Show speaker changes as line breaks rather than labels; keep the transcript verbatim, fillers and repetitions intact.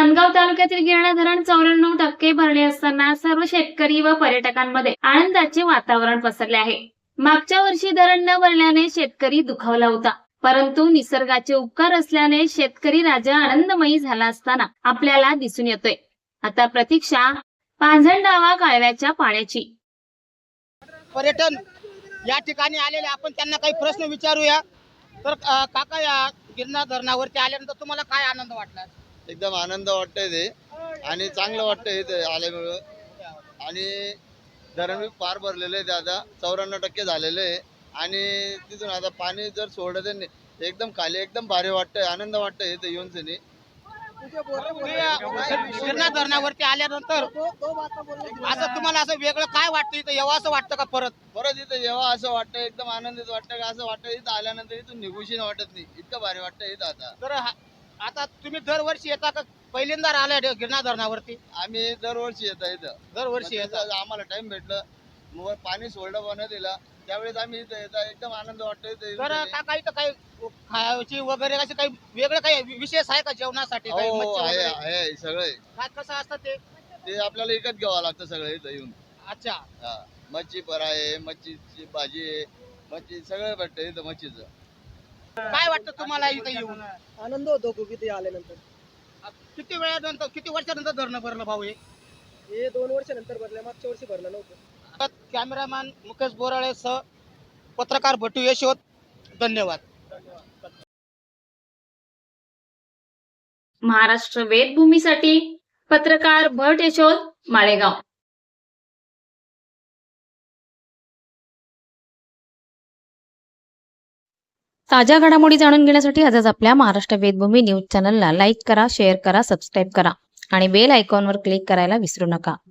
नांदगाव तालुक्यातील गिरणा धरण चौऱ्याण्णव टक्के भरले असताना सर्व शेतकरी व पर्यटकांमध्ये आनंदाचे वातावरण पसरले आहे। मागच्या वर्षी धरण न भरल्याने शेतकरी दुखावला होता, परंतु निसर्गाचे उपकार असल्याने शेतकरी राजा आनंदमयी झाला असताना आपल्याला दिसून येतोय। आता प्रतीक्षा पांझरडावा कालव्याच्या पाण्याची।
पर्यटन या ठिकाणी आलेले आपण त्यांना काही प्रश्न विचारूया। तर काका, या गिरणा धरणावरती आल्यानंतर तुम्हाला काय आनंद वाटला?
एकदम आनंद वाटतंय ते आणि चांगलं वाटतंय इथे आल्यामुळे। आणि धरण पार भरलेले आहे, आता चौऱ्याण्णव टक्के झालेले आहे आणि तिथून आता पाणी जर सोडलं त्यांनी एकदम खाली एकदम भारी वाटतंय, आनंद वाटतंय इथे येऊन सनी।
गिरणा धरणावरती आल्यानंतर असं तुम्हाला असं वेगळं काय वाटतं, इथं यावं असं वाटतं का? परत
परत इथं यावं असं वाटतं, एकदम आनंदित वाटतं का असं वाटतं इथं आल्यानंतर इथून निघूशी वाटत नाही, इतकं भारी वाटतं इथं आता।
तर आता तुम्ही दरवर्षी येता का पहिल्यांदा आलाय गिरणा धरणावरती?
आम्ही दरवर्षी येतो इथं,
दरवर्षी येता।
आम्हाला टाइम भेटलं मग पाणी सोडलं पण दिला त्यावेळेस आम्ही इथं येतो, एकदम आनंद वाटतोय इथं।
तर काका, इथं काही खायची वगैरे असे काही वेगळं काही विशेष आहे का जेवणासाठी? काही
हो
मच्छी
आहे
वगैरे?
आहे सगळे।
काय कसं असतं ते?
ते आपल्याला विकत घ्यावं लागतं सगळं इथं येऊन।
अच्छा,
हा, मच्छी पर आहे, मच्छीची भाजी आहे, मच्छी सगळं भेटतं इथं मच्छीचं।
काय वाटतं तुम्हाला इथं येऊन?
आनंद होतो खूप इथे आल्यानंतर।
किती वेळानंतर किती वर्षानंतर धरणं भरलं भाऊ? हे
हे दोन वर्षानंतर भरलं, मागच्या वर्षी भरलं नव्हतं।
कॅमेरामॅन मुकेश बोराळे सह पत्रकार भटू यशोद, धन्यवाद।
महाराष्ट्र वेदभूमीसाठी पत्रकार भट यशोद, माळेगाव। ताज्या घडामोडी जाणून घेण्यासाठी आजच आपल्या महाराष्ट्र वेदभूमी न्यूज चॅनलला लाईक करा, शेअर करा, सबस्क्राईब करा आणि बेल आयकॉनवर क्लिक करायला विसरू नका।